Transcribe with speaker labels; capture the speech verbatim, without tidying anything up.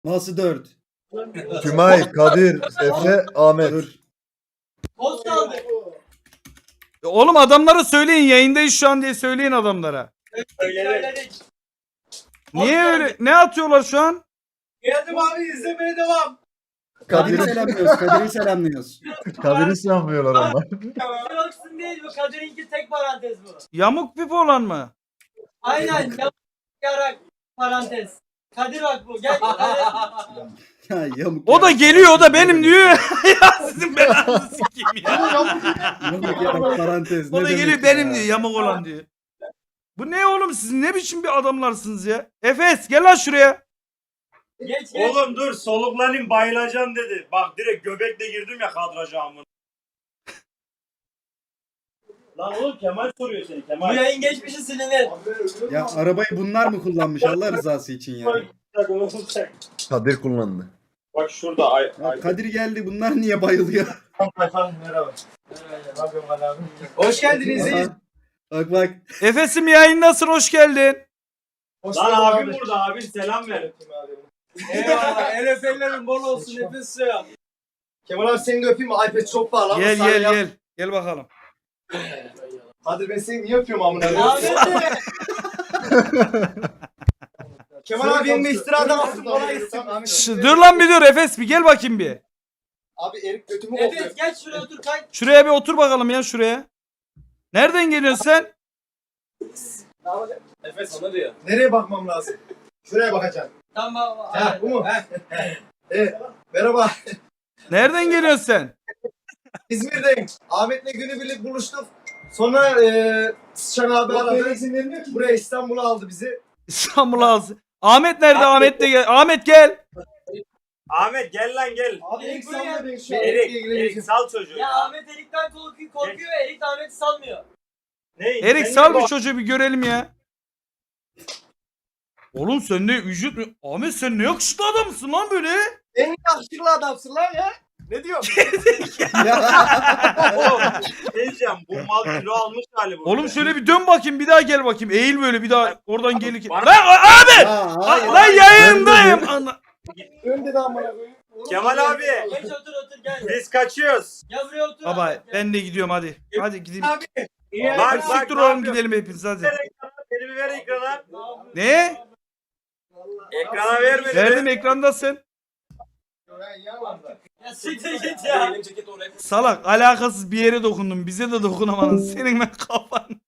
Speaker 1: Nasıl dört?
Speaker 2: Tümay, Kadir, Efe, Ahmet.
Speaker 1: Dur.
Speaker 3: Poz kaldı.
Speaker 4: Oğlum adamlara söyleyin, yayındayız şu an diye söyleyin adamlara.
Speaker 3: Söyledik.
Speaker 4: Niye öyle? Ne atıyorlar şu an?
Speaker 3: Geldim abi, izlemeye devam.
Speaker 1: Kadir'i
Speaker 2: Kadir,
Speaker 1: selamlıyoruz. Kadir'i selamlıyoruz.
Speaker 2: Kadir'i sanmıyorlar onlar.
Speaker 3: Yoksun değil bu. Kadir'inki tek parantez bu.
Speaker 4: Yamuk pipi olan mı?
Speaker 3: Aynen. Yap- Yarak parantez. Kadir bak bu. Gel. Kadir.
Speaker 1: Ya yamuk.
Speaker 4: O
Speaker 1: ya.
Speaker 4: da geliyor, o da benim diyor. Ya sizin belanızı sikeyim ya.
Speaker 1: Yamuk yarak parantez.
Speaker 4: O
Speaker 1: ne
Speaker 4: da
Speaker 1: demek
Speaker 4: geliyor
Speaker 1: ya?
Speaker 4: benim diyor, yamuk olan diyor. Bu ne oğlum, siz ne biçim bir adamlarsınız ya? Efes gel lan şuraya.
Speaker 3: Geç geç.
Speaker 5: Oğlum dur soluklanayım bayılacağım dedi. Bak direkt göbekle girdim ya kadraja amına. Lan oğlum Kemal soruyor seni
Speaker 3: Bu
Speaker 5: Kemal.
Speaker 3: yayın geçmişi silinir.
Speaker 1: Ya arabayı bunlar mı kullanmış Allah rızası için ya?
Speaker 2: Kadir kullandı.
Speaker 5: Bak şurada ay
Speaker 1: Ya
Speaker 5: ay.
Speaker 1: Kadir geldi bunlar niye bayılıyor?
Speaker 5: Merhaba.
Speaker 3: Hoş geldiniz.
Speaker 1: Aha. Bak bak.
Speaker 4: Efes'im yayındasın, hoş geldin.
Speaker 5: Lan abim burada abim selam ver.
Speaker 3: Eyvallah. El öpenlerin bol olsun. Nefes suya.
Speaker 6: Kemal abi seni de öpeyim mi? iPad çok pahalı ama
Speaker 4: Gel
Speaker 6: sana
Speaker 4: gel
Speaker 6: yap.
Speaker 4: gel. Gel bakalım.
Speaker 6: Hadi ben seni niye öpüyorum amına koyayım?
Speaker 3: Ahmet de.
Speaker 6: Kemal abi benim de istirada alsın kolay gelsin.
Speaker 4: Şş, dur lan bir dur Efes, bir gel bakayım bir.
Speaker 6: Abi Erik götümü kokuyor.
Speaker 3: Evet geç şuraya otur kay.
Speaker 4: Şuraya bir otur bakalım ya, şuraya. Nereden geliyorsun sen?
Speaker 3: Efes sana diyor.
Speaker 6: Nereye bakmam lazım? Şuraya bakacağım.
Speaker 3: Tamam.
Speaker 6: Ha bu mu? Evet. Merhaba.
Speaker 4: Nereden geliyorsun sen?
Speaker 6: İzmir'deyim. Ahmet'le günübirlik buluştuk. Sonra eee Sıçan abi aradı. Buraya İstanbul'a aldı bizi.
Speaker 4: İstanbul'a alsın. Ahmet nerede? Ahmet de gel. Ahmet gel.
Speaker 5: Ahmet gel lan gel.
Speaker 6: Abi
Speaker 3: Erik
Speaker 6: Erik
Speaker 3: buraya-
Speaker 6: sanma ben şu an
Speaker 5: Erik,
Speaker 6: Erik'le
Speaker 5: Erik
Speaker 6: ilgileneceğim.
Speaker 5: sal çocuğu.
Speaker 3: Ya Ahmet Erik'ten korkuyor, korkuyor. Erik de Ahmet'i salmıyor.
Speaker 5: Ne?
Speaker 4: Erik
Speaker 5: sen
Speaker 4: sal
Speaker 5: niye
Speaker 4: bir çocuğu bir görelim ya. Oğlum sen ne vücut mu? Ahmet sen ne yakışıklı adamsın lan böyle.
Speaker 6: En yakışıklı adamsın lan ya. Ne diyorsun?
Speaker 5: Oğlum ne diyeceğim bu mal kilo almış hali bu.
Speaker 4: Oğlum şöyle bir dön bakayım, bir daha gel bakayım. Eğil böyle bir daha oradan gel.
Speaker 5: Bana-
Speaker 4: Lan abi!
Speaker 1: Ya, hayır.
Speaker 4: Lan yayındayım. Ana-
Speaker 6: Önde de amına koyayım.
Speaker 5: Kemal abi
Speaker 3: Geç otur otur gel.
Speaker 5: biz kaçıyoruz.
Speaker 3: Gel buraya otur.
Speaker 4: Baba
Speaker 3: Ahmet, gel.
Speaker 4: ben de gidiyorum hadi. Hadi gideyim.
Speaker 6: Abi.
Speaker 5: Bak
Speaker 4: Hadi
Speaker 5: bak
Speaker 4: siktir
Speaker 5: ne
Speaker 4: oğlum,
Speaker 5: yapıyorsun?
Speaker 4: gidelim hepiniz hadi.
Speaker 5: Ver ekrana, elimi ver ekrana.
Speaker 4: Ne?
Speaker 5: Ekrana ver beni.
Speaker 4: Verdim, ekrandasın.
Speaker 3: Ya siktir git ya.
Speaker 4: Salak alakasız bir yere dokundum. Bize de dokunamadın. Senin ben kafan.